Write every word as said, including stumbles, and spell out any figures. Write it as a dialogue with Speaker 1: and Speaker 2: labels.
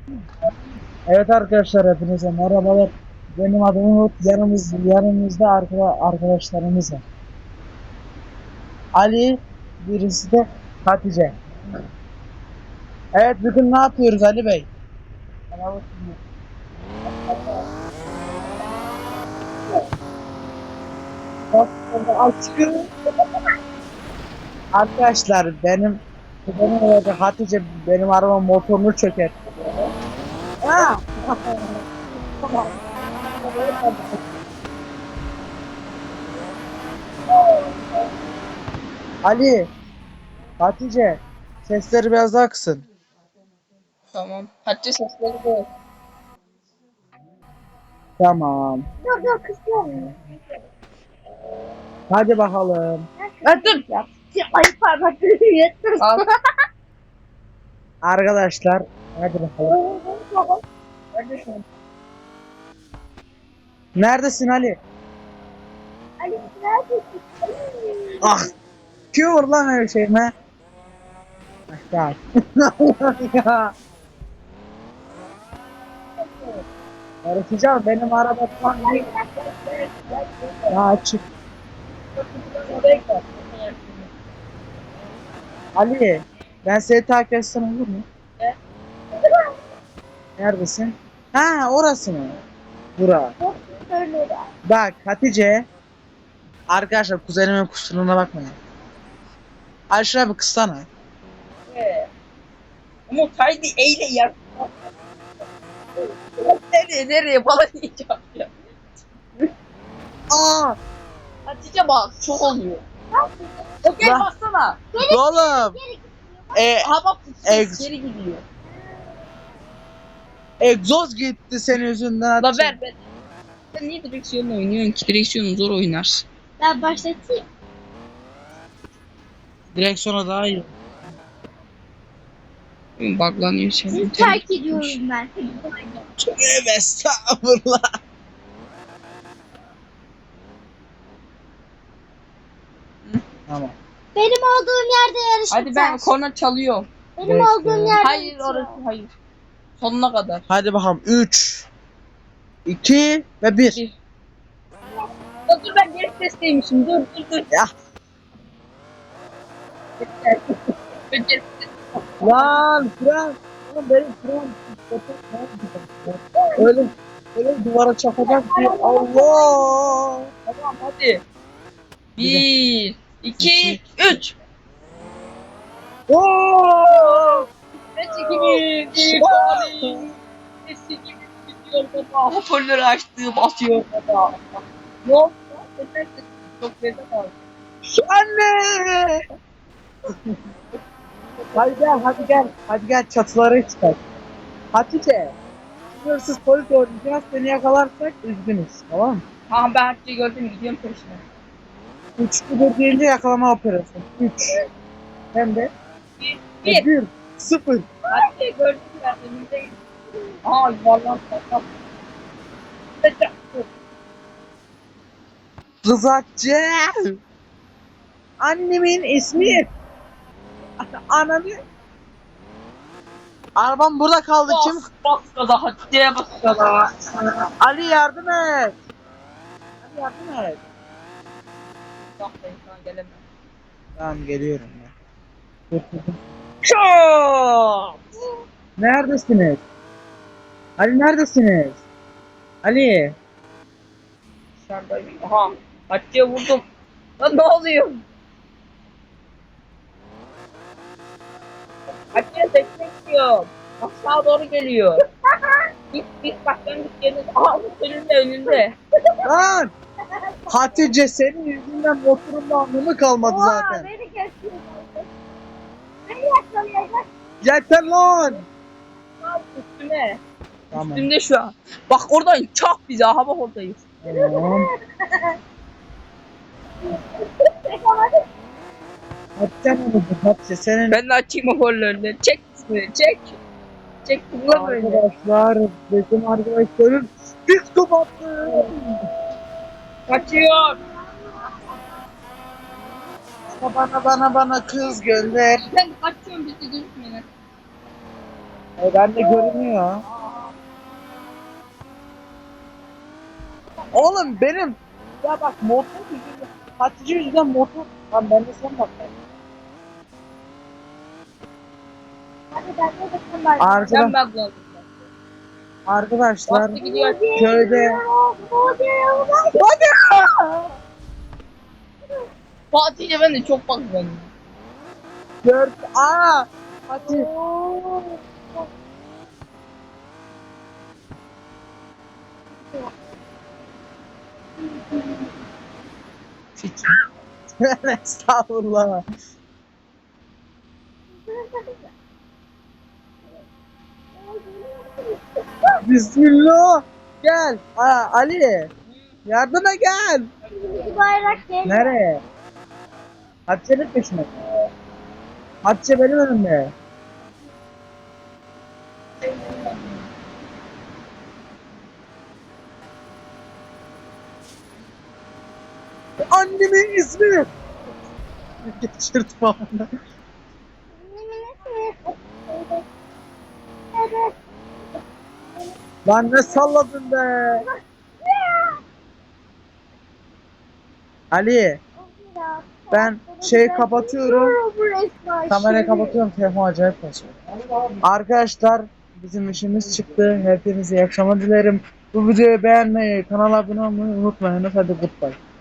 Speaker 1: Evet arkadaşlar, hepinize merhabalar. Benim adım Umut. Yanımız, yanımızda arka, arkadaşlarımız var. Ali, birisi de Hatice. Evet, bugün ne yapıyoruz Ali Bey? Aşkım. Arkadaşlar benim benim evde Hatice benim araba motorunu çöker. Ha! Ali, Hatice, sesleri biraz daha kısın.
Speaker 2: Tamam. Hatice sesleri de.
Speaker 1: Tamam.
Speaker 3: Dur dur kızım.
Speaker 1: Hadi bakalım.
Speaker 2: Ha, dur.
Speaker 3: Ya, ay parmaklarını yırttın.
Speaker 2: Al.
Speaker 1: Arkadaşlar, hadi bakalım.
Speaker 2: Neredesin?
Speaker 1: Neredesin Ali?
Speaker 3: Ali neredesin?
Speaker 1: Ah, kim vurdu lan öyle şeyime? Ah, ya. ya. Öğreteceğim, benim araba falan değil. Ya açık. Ali, ben seni takip etsem olur mu? Neredesin? Ha, orası mı? Bura.
Speaker 3: Öyle de.
Speaker 1: Bak Hatice. Arkadaşlar, kuzenimin kusuruna bakmayın. Ali şuraya bir kıssana.
Speaker 2: Ee, Umut haydi eyle ya. Nereye nereye bana diyeceğim ya.
Speaker 1: Aa!
Speaker 2: Hatice bak çok oluyor. Okey
Speaker 1: Lan.
Speaker 2: baksana.
Speaker 1: Oğlum. E,
Speaker 2: Aha bak
Speaker 1: Ex.
Speaker 2: geri gidiyor.
Speaker 1: egzoz gitti senin yüzünden.
Speaker 2: La
Speaker 1: Hatice.
Speaker 2: ver ver. Sen niye direksiyonla oynuyorsun ki? Direksiyonu zor oynarsın.
Speaker 3: Ben başlatayım.
Speaker 1: Direksiyona daha iyi.
Speaker 2: Buglanıyor senin.
Speaker 3: Sizi terk ediyorum ben.
Speaker 1: Tövbe estağfurullah. Tamam.
Speaker 3: Benim olduğum yerde yarışacağız.
Speaker 2: Hadi ben korna çalıyorum.
Speaker 3: Benim
Speaker 1: Bekle.
Speaker 3: olduğum yerde
Speaker 2: Hayır
Speaker 3: bitiyor.
Speaker 2: orası hayır. Sonuna kadar.
Speaker 1: Hadi bakalım. üç, iki ve bir.
Speaker 2: Bir. Ya dur ben geri testeymişim. Dur dur dur.
Speaker 1: Ya.
Speaker 2: Ben geri-
Speaker 1: Lan fren. Oğlum benim fren. Öyle, öyle duvara çakacak ki. Allah.
Speaker 2: Tamam hadi. Bir, iki, üç.
Speaker 1: Oo!
Speaker 2: Nesi gibi bir kali. Nesi gibi gidiyor baba. Hoparlörü açtı basıyor baba. Ne oldu lan? Neden sesin çok beze kaldı?
Speaker 1: Anne. Hadi gel, hadi gel. Hadi gel çatılara çıkar. Hatice. Sınırsız polis oynayacağız. Seni yakalarsak üzgünüz. Tamam mı?
Speaker 2: Tamam ben Hatice'yi gördüm gidiyorum peşine.
Speaker 1: üç bir deyince yakalama operasyonu. üç. Hem de
Speaker 2: Bir, bir.
Speaker 1: bir. sıfır.
Speaker 2: Hatice'yi gördüm ben önümde. Aa yuvarlan sakal.
Speaker 1: Kız Hatice. Annemin ismi. Ananı. Arabam burada kaldı. Kim?
Speaker 2: Bas, bas gaza Hatice'ye bas gaza.
Speaker 1: Ali yardım et. Ali yardım et.
Speaker 2: Bak ben sana gelemem.
Speaker 1: Tamam geliyorum ya. Çok. Neredesiniz? Ali neredesiniz? Ali.
Speaker 2: Dışarıdayım. Aha. Hatice'ye vurdum. Lan ne oluyor? Hatice destek istiyor. Aşağı doğru geliyor. Git git bak ben git yerine. Aha bu önünde önünde.
Speaker 1: Lan. Hatice senin yüzünden motorun anlamı kalmadı
Speaker 3: Oha,
Speaker 1: zaten.
Speaker 3: beni geçiyor. Beni yakalayacak.
Speaker 1: Yeter lan.
Speaker 2: Al üstüne.
Speaker 1: Tamam.
Speaker 2: Üstümde şu an. Bak oradan çak bize. Aha bak oradayız.
Speaker 1: Tamam. Hatice ne oldu? Hatice senin
Speaker 2: Ben de açayım hoparlörleri. Çek ismini çek. Çek tıkla böyle.
Speaker 1: arkadaşlar bizim arkadaşların psikopattı.
Speaker 2: Kaçıyor.
Speaker 1: Bana bana bana kız gönder.
Speaker 2: Ben kaçıyorum bizi gözükmeyin.
Speaker 1: E, ben de görünüyor. Oğlum benim ya bak motor yüzünden Hatice yüzünden motor lan ben de sen bak.
Speaker 3: Hadi ben de bakın bari.
Speaker 1: Arkadaş,
Speaker 2: Ben bakmadım.
Speaker 1: arkadaşlar
Speaker 2: Bastı gidiyor.
Speaker 1: köyde
Speaker 2: Fatih'le ben de çok bakmadım.
Speaker 1: dört aa Hatice estağfurullah. Bismillah. Gel. Aa, Ali. Yardıma gel.
Speaker 3: Bir bayrak gel.
Speaker 1: Nereye? Hatice'nin peşine. Hatice benim önümde. Annemin ismi. Geçirdim onu.
Speaker 3: Evet.
Speaker 1: Lan ne salladın be? Ali, ben şeyi kapatıyorum. Kamerayı kapatıyorum. Telefon acayip basıyor. Arkadaşlar bizim işimiz çıktı. Hepinize iyi akşamlar dilerim. Bu videoyu beğenmeyi, kanala abone olmayı unutmayın. Hadi goodbye.